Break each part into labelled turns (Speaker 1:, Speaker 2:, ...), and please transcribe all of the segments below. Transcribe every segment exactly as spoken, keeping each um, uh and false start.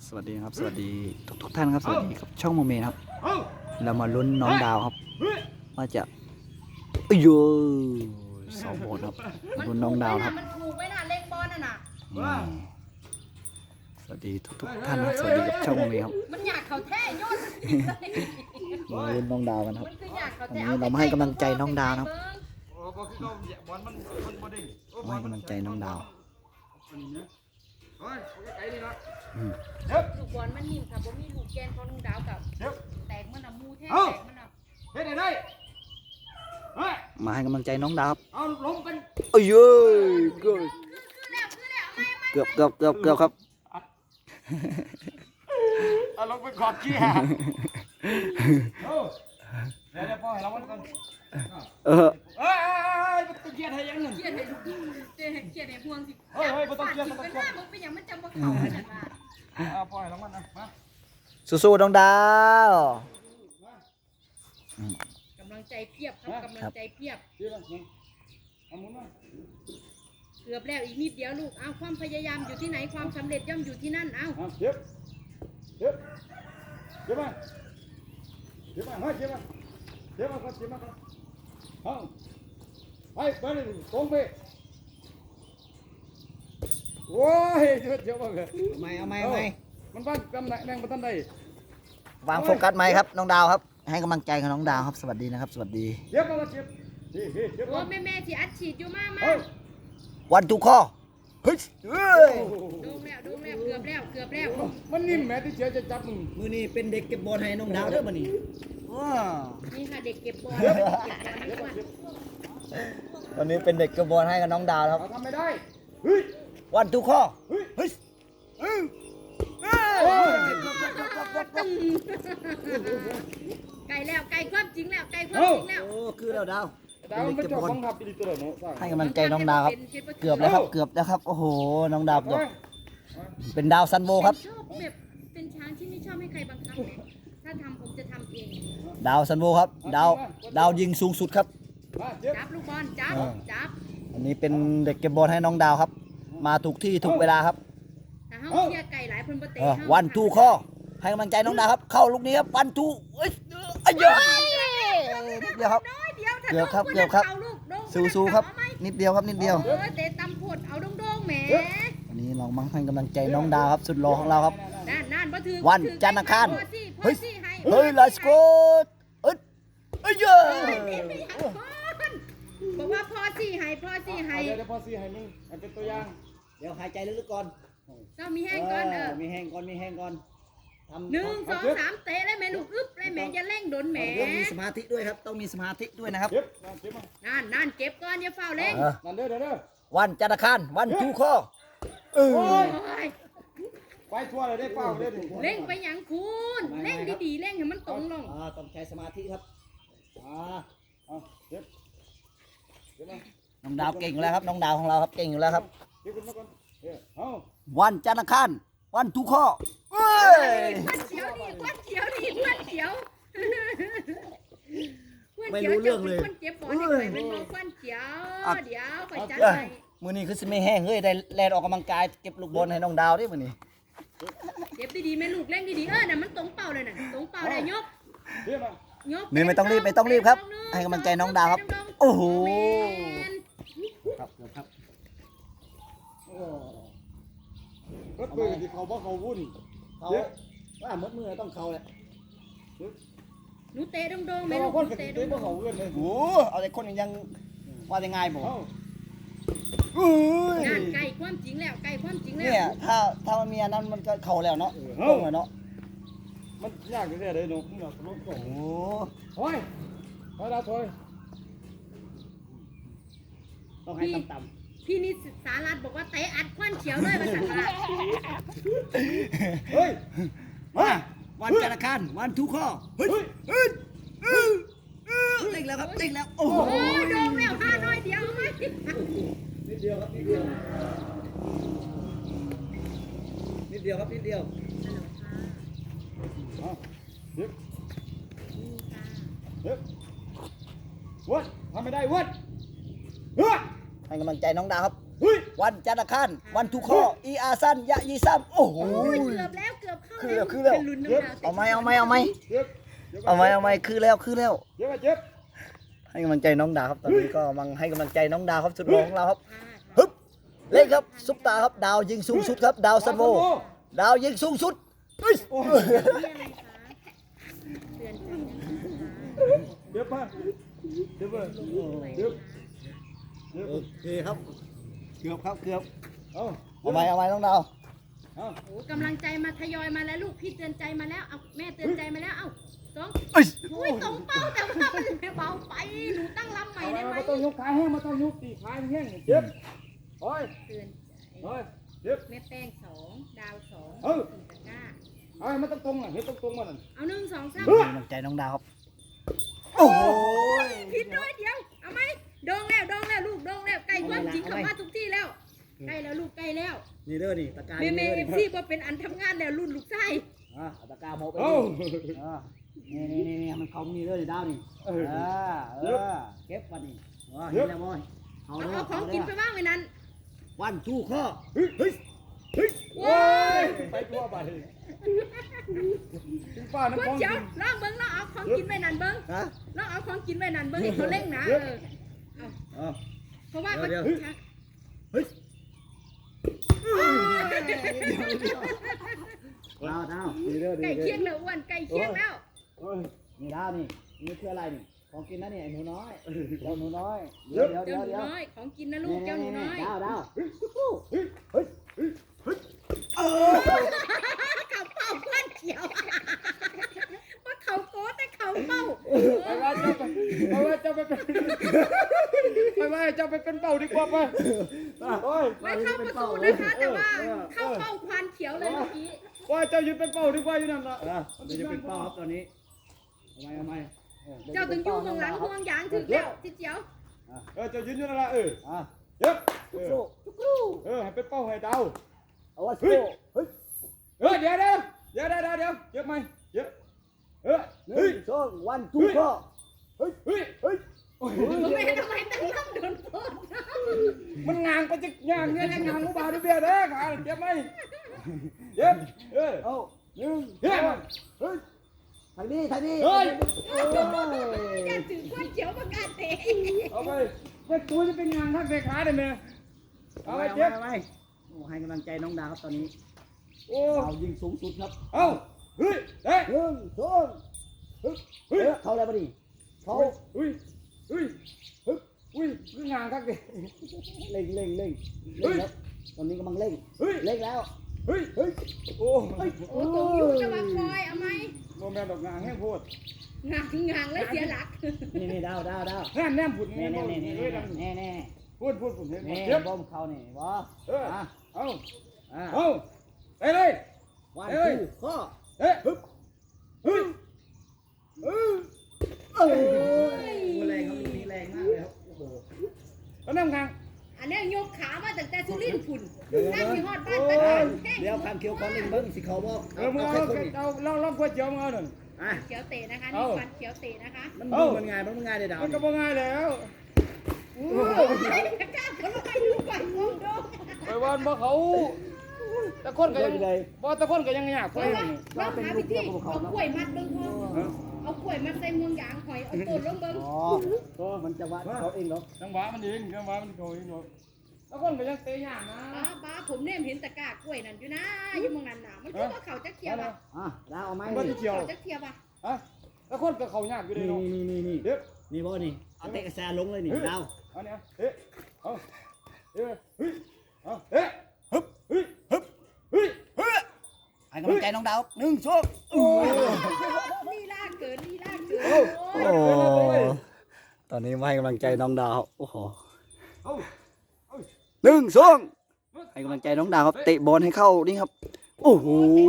Speaker 1: สวัสดีครับสวัสดีทุกทุกท่านครับสวัสดีครับช่องโมเมนต์ครับเรามาลุ้นน้องดาวครับว่าจะเอ้ยโยสองโบนครับลุ้นน้องดาวครับ
Speaker 2: มันถูกไว้น่ะเล็กบอลน่ะน่ะ
Speaker 1: อืมสวัสดีทุกทุกท่านครับสวัสดีกับช่องโมเมนต์ครับ
Speaker 2: มันอยากเขาแท้ยอด
Speaker 1: มาลุ้นน้องดาวกันครับ
Speaker 2: มันคืออยากเขา
Speaker 1: วัน
Speaker 2: แท้
Speaker 1: นี้เรามาให้กำลังใจน้องดาวนะครับ
Speaker 3: โอ้บอลคือเขาบอลมันมันบอลดิ้ง
Speaker 1: มาให้กำลังใจน้องดาว
Speaker 3: อันนี้เนี่ยเฮ้ยไอ้นี่ละ
Speaker 1: อืม
Speaker 3: เย็บ
Speaker 2: ลูกบอลมันนิ่มค่ะบ่มีลูกแกนของน้องดาวกับ
Speaker 3: เย็บ
Speaker 2: แตกมันน่ะมูแท้
Speaker 3: เอ้า
Speaker 2: แตกมันน่ะ
Speaker 3: เฮ็ดได้ได้เฮ้ย
Speaker 1: มาให้กำลังใจน้องดาวครับ
Speaker 3: เอาล้มกัน
Speaker 1: เอ้ยโยเกือบ
Speaker 2: คือแล้วคือแล้วไม่ไม่
Speaker 1: เกือบเกือบเกือบเกือบครับ
Speaker 3: เอาลงไปกอดขี้ฮะโอ้เดี๋ยวเดี๋ยวพ่อให้เราวันก่อน
Speaker 1: เออ
Speaker 3: เอ้ยเอ้ยมันต้องเกียร์ให้ยังหนึ่ง
Speaker 2: เครียดให้ลูกเจ๊เครียดให้พวงสิ
Speaker 3: เฮ้ยเฮ้ยบ่ต้องเครียดบ่
Speaker 2: ฟา
Speaker 3: ต้องเครียด
Speaker 2: ดสิเป็นหน้ามึงเป็นหยังมันจำบ่เข้าขนาดนั้น
Speaker 3: เอาพ่อให้เราวันนะมา
Speaker 1: สู้ๆน้องดาว
Speaker 2: กำลังใจเพียบครับกำลังใจเพียบ
Speaker 3: เดี๋ยวนะเอาหมุนมา
Speaker 2: เกือบแล้วอีกนิดเดียวลูกเอาความพยายามอยู่ที่ไหนความสำเร็จย่อมอยู่ที่นั่นเอา
Speaker 3: เอาเย็บเย็บเย็บมาเย็บมาเฮ้ยเย็บมาเย็บมาก่อนเย็บมาก่อนเอาไปไปเลยตรงไปโอ้ยเจ็บเจ็บมากเลย
Speaker 1: ไม่เอาไม่เอาไม่
Speaker 3: มันบ้านกำแหน่งแดงประทันใด
Speaker 1: วางโฟกัสไหมครับน้องดาวครับ ให้กำลังใจกับน้องดาวครับสวัสดีนะครับ สวัสดี
Speaker 3: เจ็บมาก็เจ็บเฮ้ยเฮ้ยเจ็บ
Speaker 2: โอ้
Speaker 3: มา
Speaker 2: แม่แม่สิอัดฉีดอยู่มามา
Speaker 3: เฮ้ย
Speaker 1: วันทุกข้อเฮ้ยเฮ้ย
Speaker 2: ดูแล้วดูแล้วเกือบแล้วเกือบแล้ว
Speaker 3: มันนิ่มแม่ที่เจ็บจะจับมึง
Speaker 1: มือนี้เป็นเด็กเก็บบอลให้น้องดาวเด้อมานี่ว้า
Speaker 2: นี่ค่ะเด็กเก็บบอล
Speaker 3: เจ็บ
Speaker 2: เก็บบอล
Speaker 3: เจ็บ
Speaker 2: ทุกวัน
Speaker 1: วันนี้เป็นเด็กเก็บบอลให้กับน้องดาวครับ
Speaker 3: เราทำไม่ได้เฮ้ย
Speaker 1: วันทุกข้อ
Speaker 3: เฮ้ย
Speaker 1: เฮ้ย
Speaker 3: โอ้ย
Speaker 2: ไก่แล้วไก่ความจริงแล้วไก่ความจริงแล้ว
Speaker 1: โอ้คือแล้วดาว
Speaker 3: ดาวมันไม่ชอบบังคับอีตัวเนาะ
Speaker 1: ให้กำลังใจน้องดาวครับเกือบแล้วครับเกือบแล้วครับโอ้โหน้องดาวเกือบเป็นดาวซันโบครับ
Speaker 2: ชอบแบบเป็นช้างที่ไม่ชอบให้ใครบังคับเลยถ้าทำผมจะทำเอง
Speaker 1: ดาวซันโบครับดาวดาวยิงสูงสุดครับ
Speaker 3: มาเจ็บ
Speaker 2: จับลูกบอลจับจับ
Speaker 1: อันนี้เป็นเด็กเก็บบอลให้น้องดาวครับ มาถูกที่ถูกเวลาครับ
Speaker 2: ถ้าเฮาเชียร์ไก่หลายคนบ่เตะ
Speaker 1: เออ
Speaker 2: เฮา
Speaker 1: วันทูข้อให้กำลังใจน้องดาวครับ เข้าลูกนี้ครับวันทูเอ้ยเอ้ยเยอะนิดเดียวครับ
Speaker 2: น้อยเดียวถ้า
Speaker 1: เกือบครับ
Speaker 2: โดน
Speaker 1: เกือบครับ
Speaker 2: าลูกโดน
Speaker 1: สู้ๆครับ
Speaker 2: เอาไหม
Speaker 1: นิดเดียวครับนิดเดียว
Speaker 2: เออเตะตำผดเอาโด่งๆแหม
Speaker 1: วันนี้เรามาให้กำลังใจน้องดาวครับสุดหล่อของเราครับ
Speaker 2: นั่นนั่นบ่ถือ
Speaker 1: วัน
Speaker 2: บ่ถือ
Speaker 1: จันทร์อังคาร
Speaker 2: พอสิพอ
Speaker 1: เฮ้ย
Speaker 2: สิให้
Speaker 1: เฮ้ย let's go เอ้ยเอ้ยเยอะ
Speaker 2: เฮ้ยนี่ไม่อยากคนบอกว่าพอสิให้พอสิให้
Speaker 3: เดี๋ยวเดี๋ยวพ่อซีให้มึงเป็นตัวอย่าง
Speaker 1: เดี๋ยวหายใจลึกๆก่อน
Speaker 2: เจ้ามีแห้งก่อนเออ
Speaker 1: มีแห้งก่อนมีแห้งก่อนทำ
Speaker 2: หนึ่งสองสามเตะเลยแม่ลูกอึ๊บเลยแม่อย่าเร่งโดนแหม
Speaker 1: ต้องมีสมาธิด้วยครับต้องมีสมาธิด้วยนะครับ
Speaker 3: เจ็บมาเจ็บมา
Speaker 2: นั่นนั่นเก็บก่อนอย่าเฝ้าเร่ง
Speaker 1: เออ
Speaker 3: นั่นเด้อเด้อเด้อ
Speaker 1: วันจันทร์อังคารวันทูข้อเออ
Speaker 3: โอ้ย
Speaker 2: โอ้ย
Speaker 3: ไปทั่วเลยได้เปล่าเด้อ
Speaker 2: เร่งไปหยังคุณเร่งดีๆเร่งให้มันตรงลง
Speaker 1: อ่าต้องใช้สมาธิครับอ่า
Speaker 3: เอาเจ็บเจ็บมา
Speaker 1: น้องดาวเก่งอยู่แล้วครับน้องดาวของเราครับเก่งอยู่แล้วครับ
Speaker 3: เจ็บขึ้นมาก่อนเออเอา
Speaker 1: วันจันทร์อังคารวันทุกข้อเอ้ย
Speaker 2: ควันเขียวนี่ควันเขียวนี่ควันเขียว
Speaker 1: ไม่รู้เรื่องเลย
Speaker 2: ควันเจ็บบอลให้ใครเป็นบอลควันเขียวเดี๋ยวไปจัด
Speaker 1: เอ้ย
Speaker 2: ให้
Speaker 1: มือนี้คือสิไม่แห้งเฮ้ยได้แลนออกกำลังกายเก็บลูกบอลให้น้องดาวดิมือนี้
Speaker 2: เก็บดีๆแม่ลูกเร่งดีๆเออน่ะมันตรงเป้าเลยน่ะตรงเป้าเลยยก
Speaker 3: เจ็บมาย
Speaker 2: ก
Speaker 1: นี่ไม่ต้องรีบไม่ต้องรีบครับ ให้กำลังใจน้องดาวครับ โอ้โห
Speaker 2: แมน
Speaker 1: ครับครับ
Speaker 3: รถปืนที่เขาบ่เขาวุ่น
Speaker 1: เขาว่ามืดมือต้องเขาเลย
Speaker 2: หนูเตะโดงๆ
Speaker 3: แต่
Speaker 2: แม่ลู
Speaker 3: ว่าก คน
Speaker 2: หนู
Speaker 3: กับ
Speaker 2: เตะ
Speaker 3: เตะ
Speaker 2: โด
Speaker 3: บ่
Speaker 2: ง
Speaker 3: เขาเอื้อนเลย
Speaker 1: โอ้เอาแต่คนยังว่ายังไงบอก
Speaker 3: เอา
Speaker 1: อุ้ย
Speaker 2: ๆนั่นไก่ความจริงแล้วไก่ความจริงแล้
Speaker 1: เนี่ยว ถ้าถ้ามันมีอันนั้นมันก็เข่าแล้วเนาะตรงเลยเนาะ
Speaker 3: มันยากแท้ๆเลยเนาะมึงน่ะรถก่อน
Speaker 1: โอ้
Speaker 3: โอ้ยไปดาวถอย
Speaker 1: ต้องให้ต่ำ
Speaker 2: พี่นิสสารัตบอกว่าเตะอัดควันเขียวเลยภาษาละ
Speaker 3: เฮ้ย
Speaker 1: ๆมาวันจันทร์อังคารวันทุกข้อเฮ้ยเฮ้ยเฮ้ยเล่งแล้วครับเล่งแล้วโอ้โห
Speaker 2: โอ้ยโดงแล้วห้าน้อยเดียวเอาไหม
Speaker 1: นิดเดียวครับนิดเดียวนิดเดียวครับนิดเดียว
Speaker 3: เอาเจ็บเจ็บวัดทำไม่ได้วัดเฮ้ย
Speaker 1: ให้กำลังใจน้องดาวครับ
Speaker 3: เฮ้ย
Speaker 1: วันจันทร์อังคารวันทุกข้ออีอาซันยะยีซัมโอ้โห
Speaker 2: โอ้ยเกือบแล้วเกือบเข้า
Speaker 1: คือแล้วคือแล้ว
Speaker 2: เป็นลุ้นน้ำดาว
Speaker 1: เอาไหมเอาไหมเอาไหม
Speaker 3: เจ็บ
Speaker 1: เอาไหมเอาไหมคือแล้วคือแล้ว
Speaker 3: เจ็บเจ็บ
Speaker 1: ให้กำลังใจน้องดาวครับตอนนี้ก็กำลังให้กำลังใจน้องดาวครับสุดหล่อของเราครับ
Speaker 2: อ่า
Speaker 1: ฮึบเล่นครับซุปตาครับดาวยิงสูงสุดครับดาวซันโวดาวยิงสูงสุดเฮ้ย
Speaker 3: โอ้ย
Speaker 2: นี่อะไรคะเตือนใจนะคะ
Speaker 3: เจ็บป่ะเจ็บป่ะเจ็บเจ็บ
Speaker 1: โอเคครับเกือบครับเกือบ
Speaker 3: เอา
Speaker 1: เอาไหมเอาไหมน้องดาว
Speaker 3: เอา
Speaker 2: โอ้กำลังใจมาทยอยมาแล้วลูกพี่เตือนใจมาแล้วเอาแม่เตือนใจมาแล้วเอาสอง
Speaker 1: เอ้ย
Speaker 2: โอ้ยตรงเป้าแต่ว่ามันไม่เบาไปหนูตั้งลำใหม่ได้ไหม
Speaker 3: มาต้องยกขาแห้งมาต้องยกตีขาแห้งเจ็บโอ้ย
Speaker 2: เตือนใจ
Speaker 3: โอ้ยเจ็บ
Speaker 2: แม่แป้งสองดาวสอง
Speaker 3: เออ
Speaker 2: สี่ตะกร้า
Speaker 3: เอามันต้องตรงอ่ะเห็นต้องตรงมัน
Speaker 2: เอาหนึ่งสองสาม
Speaker 1: ให้กำลังใจน้องดาวครับโอ้โห
Speaker 2: ผิดด้วยเดียวเอาไหมดองแล้วดองแล้วลูกดองแล้วใกล้ความจริงเข้ามาทุกที่แล้วใกล้แล้วลูกใกล้แล้ว
Speaker 1: นี่เด้อนี่ตะกร้า
Speaker 2: เมเมเอฟซีว่าเป็นอันทำงานแล้วรุ่นลูกไส้
Speaker 1: อ่ะเอาตะกร้าโมไป
Speaker 3: เอา
Speaker 1: นี่นี่นี่นี่มันเขามีเด้อนี่ดาวนี่
Speaker 3: เออ
Speaker 1: เออเออเก็บวันนี้ว้าเห็นแล้วมั้ยเอา
Speaker 2: เอา
Speaker 1: เด้อ
Speaker 2: เอาของกินไปบ้างไว้นั้น
Speaker 1: วันทูข้อ
Speaker 3: เฮ้ยเฮ้ยเฮ้ย
Speaker 2: โว้ย
Speaker 3: ไปทั่วไปถึงป้าน้ำ
Speaker 2: เบิ้
Speaker 3: ฟ
Speaker 2: ง
Speaker 3: อง
Speaker 2: เจ้าลองเบิ้งลองเอาของกินไว้นั่นเบิ้ง
Speaker 1: ฮะ
Speaker 2: ลองเอาของกินไว้นั่นเบิ้งให้เขาเล่งนะเออเอา
Speaker 1: เอา
Speaker 2: เพราะว่ามัน
Speaker 1: เดี๋ยว
Speaker 2: ชัก
Speaker 1: เฮ้ยดาวดาวนี่เด้อ
Speaker 2: ไก่
Speaker 1: นี่
Speaker 2: เคี
Speaker 1: เด้
Speaker 2: ย
Speaker 1: อง
Speaker 2: แล้วอ้วนไก่เคียงแล้ว
Speaker 3: โอ้ย
Speaker 1: นี่ดาวนี่นี่คืออะไรนี่ของกินนะนี่ไอ้หนูน้อยเจ้าหนูน้อยเดี๋ยวเดี๋ยว
Speaker 2: เจ้า
Speaker 1: เดี๋ยว
Speaker 2: หนู
Speaker 1: เดี๋ยว
Speaker 2: น้อยของกินนะลูกเจ้าหนูน้อย
Speaker 1: ดาวดาว
Speaker 3: เฮ้ยเฮ้ยเฮ้ยเฮ้ย
Speaker 2: เขาเป้าเพื่อนเขียวว่าเขาโก้แต่เขาเป้า
Speaker 3: ไปว่าเจ้าไปไปว่าเจ้าไปเป็นไปว่าเจ้าไปเป็นเป่าดีกว่าไปโอ้ย
Speaker 2: ไม่เข้าประตูนะคะแต่ว่าเข้าเป้าควานเขียวเลยเมื่อกี้
Speaker 3: ว่าเจ้ายืนเป็นเป่าดีกว่าอยู่นั่นละ
Speaker 1: อ่ะเดี๋ยวจะเป็นเป้าครับตอนนี้ทำไมทำไม
Speaker 2: เจ้าถึงยุ่งของหลังห่วงยางถึงแล้วทิเจียว
Speaker 3: เออเจ้ายืนอยู่นั่นละเออ
Speaker 1: อ่ะ
Speaker 3: เย็บเอ
Speaker 1: สู้
Speaker 3: อ
Speaker 1: สู้
Speaker 3: เออให้เป็นเป่าให้ดาว
Speaker 1: เอาว่าสู้เฮ้ย
Speaker 3: เออเดี๋ยวเดี๋ยวเดี๋ยวเดี๋ยวเดี๋ยวเย็บไหมเย็บเออ
Speaker 1: หนึ่
Speaker 3: เฮ้ย
Speaker 1: งสองวันทูข้อเฮ้ย
Speaker 3: เฮ้ยเฮ้ยโอ้ย
Speaker 2: ไม่ทำไมตั้งลำโดนปน
Speaker 3: มันงางไปจิกงางเนี่ยงางกูบ่าวดิเบียร์เด้อขาเจ็บไหมเจ็บเออ
Speaker 1: เอาหนึ่ง
Speaker 3: เฮ้ย
Speaker 1: เฮ้ยทางนี้ทางนี้
Speaker 3: เฮ้ย
Speaker 1: โอ้ย
Speaker 2: จะถือควานเขียวประกาศเตะ
Speaker 3: เอาไปเป็นตัวจะเป็นงางทักเด็กขาได้ไหมเอา
Speaker 1: เอา
Speaker 3: ไป
Speaker 1: ไป
Speaker 3: เจ็บ
Speaker 1: เอาไปโอ้ให้กำลังใจน้องดาวครับตอนนี้
Speaker 3: โอ้
Speaker 1: ดาวยิงสูงสุดครับ
Speaker 3: เอาเฮ้ยเฮ้ย
Speaker 1: หนึ่งสองเฮ้ย
Speaker 3: เฮ้ย
Speaker 1: เขาอะไรบ้านี่เขา
Speaker 3: เฮ้ยเฮ้ยเฮ้ยเฮ้ยคืองานทักเด็ก
Speaker 1: เร่งเร่งเร่ง
Speaker 3: เฮ้
Speaker 1: เร่ง
Speaker 3: ย
Speaker 1: ครับตอนนี้กำลังเร่ง
Speaker 3: เฮ้ย
Speaker 1: เร่งแล้ว
Speaker 3: เฮ้ยเฮ้ยโอ้
Speaker 1: เฮ้ย
Speaker 2: โอ้ตรงยุ่งจะมาคอยเอาไหม
Speaker 3: โมแมนดอกงานแห้งโพด
Speaker 2: งางงางแล้วเสียหลัก
Speaker 1: นี่นี่ดาวดาวดาว
Speaker 3: แน่นแน่นผุด
Speaker 1: นี่
Speaker 3: แน่น
Speaker 1: นี่นี่
Speaker 3: เฮ้ย
Speaker 1: นี่นี่นี่
Speaker 3: พูดพูดผุดเห็น
Speaker 1: นี่
Speaker 3: เจ็บ
Speaker 1: บ่มเขานี่บ่
Speaker 3: เออ
Speaker 1: อ่ะ
Speaker 3: เอา
Speaker 1: อ่ะ
Speaker 3: เอาไปเลย
Speaker 1: วัน
Speaker 3: เฮ้ย
Speaker 1: ทูข้อ
Speaker 3: เฮ้ยฮึบเฮ้ยเออ
Speaker 1: เอ้ยแรงครับมีแรงมากเลยครับโอ้โห
Speaker 3: แล้วนั่งกลาง
Speaker 2: อันนี้ยกขามาตั้งแต่สุรินทร์พุ่นนั่งอยู่ฮอดบ้าน
Speaker 1: เ
Speaker 2: ตะการแห้ง
Speaker 1: ดี๋ยวคำเคี้ยวขอเล่งเบิ้งสิเขาบอก
Speaker 3: เออมึงเอา
Speaker 1: แค่คนนี้
Speaker 3: เอาเราเราก๋วยเตี๋ยวมึงเอาหนึ่ง
Speaker 1: อ่ะ
Speaker 2: เขียวเตะนะคะนี่ฟันเขียวเตะนะคะ
Speaker 1: มันดูมันง่ายมันมันง่ายเลยดาว
Speaker 3: มันก็บ่ง่ายแล้ว
Speaker 2: โอ้ยกล้าผลไม้ดูก่อนงงดง
Speaker 3: ไปวันบ่เขาตะคนก็ยังบ่ตะคนก็ยังยาก
Speaker 2: เพ
Speaker 3: ไป
Speaker 2: ราะว่าเราหาวิธีเอากล้วยมัดเบิ้งพอเอากล้วยมัดใส่เมืองยางหอยเอาต้นลงเบิ้ง
Speaker 1: อ๋อก็มันจะวัดเขาเองเหรอ
Speaker 3: จังหวะมันเองจังหวะมันโดยโดยตะคนก็ยังเตะยากนะ
Speaker 2: บ้าบ้าผมเนี่ยเห็นตะกร้ากล้วยนั่นอยู่นะอยู่เมืองนั้นน่ะมันคือว่าเขาจะเคี้ยวอ่ะ
Speaker 1: อ่ะดาวเอาไหม
Speaker 3: มัน
Speaker 1: นี่
Speaker 3: จะเกี่ยว
Speaker 2: เขาจะเคี้ยวอ่ะ
Speaker 3: ฮะตะคนก็เขายากอยู่เลย
Speaker 1: นี่
Speaker 3: เนาะ
Speaker 1: นี่นี่นี่
Speaker 3: เด็บ
Speaker 1: นี่บ่นี่เอาเตะกระแสลงเลยนี่ดาว
Speaker 3: อันนี้เฮ้ยเอาเฮ้ยเฮ้ยเอาเฮ้ยฮึบเฮ้ยฮึบเฮ้ยเฮ้ย
Speaker 1: ให้กำลังใจน้องดาวหนึ่งสองโอ้
Speaker 2: ลีลาเกินลีลาเกิน
Speaker 3: โอ้
Speaker 2: โอ้ย
Speaker 1: ตอนนี้มาให้กำลังใจน้องดาวโอ้โห
Speaker 3: เอา
Speaker 1: หนึ่งสองให้กำลังใจน้องดาวครับเตะบอลให้เข้านี่ครับโอ้โห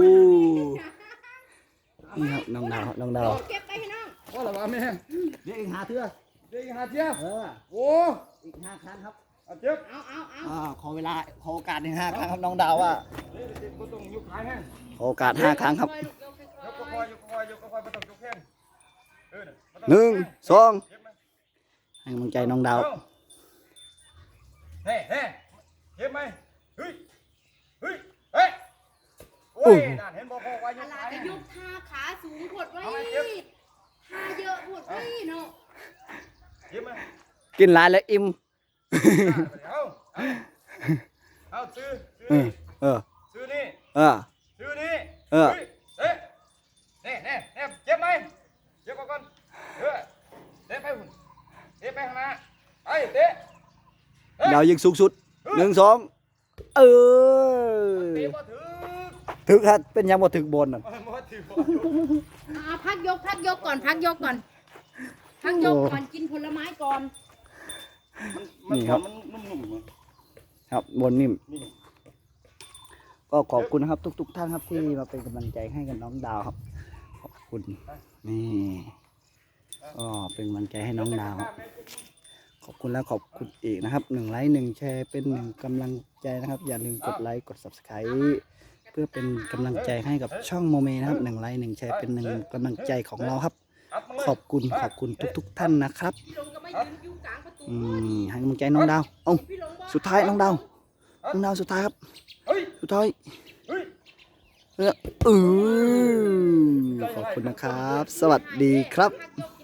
Speaker 1: นี่ครับน้องดาวน้องดาว
Speaker 2: เก็บไปให้น้อง
Speaker 3: ว่าอะไรวะแม่
Speaker 1: เดี๋ยวอีกหาเถื่อ
Speaker 3: เด็กหาเทีย
Speaker 1: เออ
Speaker 3: โอ้
Speaker 1: อีกห้าครั้งครับ
Speaker 3: เอาเจ็บ
Speaker 2: เอาเอาเอา
Speaker 1: อ่าขอเวลาขอโอกาสอีกห้าครั้งครับน้องดาวว่า
Speaker 3: เด็กเด็กก็ต้องยกขาแห้ง
Speaker 1: ขอโอกาสห้าครั้งครับ
Speaker 2: ยก
Speaker 3: ยกก็คอยยกก็คอยยกก็คอยไม่ต้องยกแข้งเออ
Speaker 1: หนึ่งสอง
Speaker 3: เจ็บไหม
Speaker 1: ให้กำลังใจน้องดาว
Speaker 3: เฮ้เฮ้เจ็บไหมเฮ้ยเฮ้ยเฮ้ยโอ้ยนั่นเห็นบอกว่า
Speaker 2: อะ
Speaker 3: ย
Speaker 2: ไร
Speaker 3: ก
Speaker 2: จะยกท่าขาสูงหดไว้
Speaker 3: เอาไว้เจ็บ
Speaker 2: ท่าเยอะหดไว้เนาะ
Speaker 3: เจ็บไหม
Speaker 1: กินหลายแล้วอิ่ม
Speaker 3: เอาเอาเอาซื้อซื้อ
Speaker 1: เออ
Speaker 3: นี่
Speaker 1: เออ
Speaker 3: ซื้อนี่
Speaker 1: เออ
Speaker 3: ซื้อนี่
Speaker 1: เออ
Speaker 3: ฮ้ยเอ๊ะเน่เน่เน่เจ็บไหมเจ็บก่อนเออเตะไปหุ่นเตะไปข้างหน้าไปเตะ
Speaker 1: ดาวยิงสูงสุดหนึ่งสองเออ
Speaker 3: เตะบ่ถึง
Speaker 1: ถึกครับเป็นยังบ่ถึกบนน่ะ
Speaker 3: บ่ถึงบ่
Speaker 2: อ่าพักยกพักยกก่อนพักยกก่อนพักยกก่อนกินผลไม้ก่อน
Speaker 3: มันมันนุ่มๆ
Speaker 1: ครับบนนิ่ม
Speaker 3: นี่
Speaker 1: ก็ขอบคุณนะครับทุก ๆ ท่านครับที่มาเป็นกำลังใจให้กับน้องดาวครับ ขอบคุณนี่ก็เป็นกำลังใจให้น้องดาวครับขอบคุณแล้วขอบคุณอีกนะครับหนึ่งไลค์หนึ่งแชร์เป็นหนึ่งกำลังใจนะครับ อย่าลืมกดไลค์กด ซับสไครบ์ เพื่อเป็นกำลังใจให้กับช่องโมเมนะครับหนึ่งไลค์หนึ่งแชร์เป็นหนึ่งกำลังใจของเราครับ ขอบคุณขอบคุณทุก ๆ ท่านนะครับ
Speaker 2: พี่หลงก็ไม่ยืนอยู่กลางประตู
Speaker 1: อืมให้กำลังใจน้องดาวเอ้า
Speaker 2: พี่หลงบอก
Speaker 1: สุดท้ายน้องดาวน้องดาวสุดท้ายครับ
Speaker 3: เฮ้ย
Speaker 1: สุดท้าย
Speaker 3: เฮ้ย
Speaker 1: เออเออขอบคุณนะครับ สวัสดีครับ
Speaker 2: พักยก